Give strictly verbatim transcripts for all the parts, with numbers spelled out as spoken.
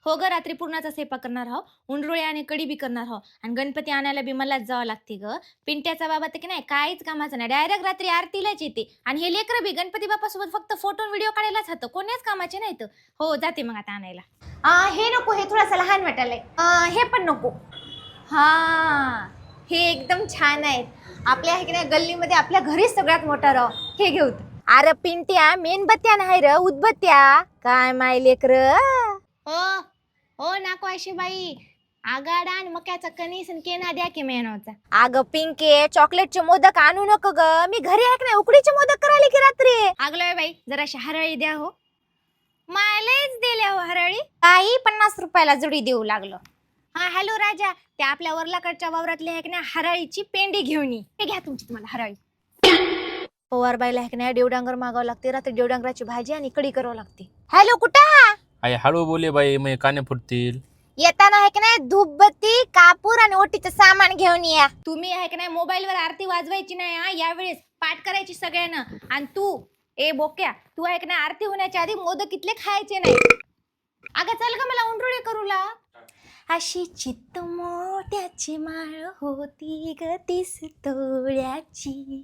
हो ग, रात्री पूर्णाचा स्वयंपाक करणार आहो, उंडरुळे आणि कढी बी करणार आहो, आणि गणपती आणायला बी मलाच जावं लागते ग. पिंट्याचा बाबा तर की नाही काहीच कामाचं नाही, डायरेक्ट रात्री आरतीलाच येते. आणि हे लेकरं बी गणपती बाप्पासोबत फक्त फोटो व्हिडिओ काढायलाच हातं, कोणीच कामाचे नाहीत. हो जाते मग आता आणायला. आ, हे नको, हे थोडासा लहान वाटायलंय. आ, हे पण नको. हा, हे एकदम छान आहेत. आपल्या हे की नाही गल्लीमध्ये आपल्या घरीच सगळ्यात मोठा राव, हे घेऊ. अरे पिंट्या, मेणबत्त्या नाही र, उदबत्त्या. काय माय लेकर. हो हो नको अशी बाई, आगाडा आणि मक्याचा कणीस आणि केना द्या की मेहनवचा. अगं पिंके, चॉकलेटचे मोदक आणू नको ग, मी घरी आहे नाही उकडीचे मोदक करायला की रात्री. अगलोय बाई, जराशी हरळी द्या हो. मायलेच दिल्या हो हरळी, काही पन्नास रुपयाला जुडी देऊ लागलो. हा हॅलो राजा, त्या आपल्या वरलाकडच्या वावरातली आहे की नाही हरळीची पेंडी घेऊन ये. हे घ्या तुमची तुम्हाला हरळी. पवार बाईला आहे की नाही देवडांगर मागावं लागते, रात्री देवडांगराची भाजी आणि कढी करावं लागते. हॅलो कुठं? आई हळू बोले बाई, मग काने फुटतील. येताना आहे की नाही धूपबत्ती, कापूर आणि ओटीचं सामान घेऊन या. तुम्ही आहे की नाही मोबाईलवर आरती वाजवायची नाही हा, यावेळेस पाठ करायची सगळ्यांना. आणि तू ए बोक्या, तू आहे की नाही आरती होण्याच्या आधी मोदक इथले खायचे नाही. अगं चल का मला उंडरुळे करू ला. अशी चित्त मोठ्याची माळ होती ग तीस तोळ्याची.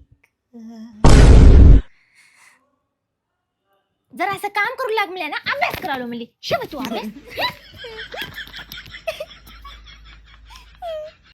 जरा असं काम करू लाग मला ना, अभ्यास करालो म्हणजे शिव तू अभ्यास.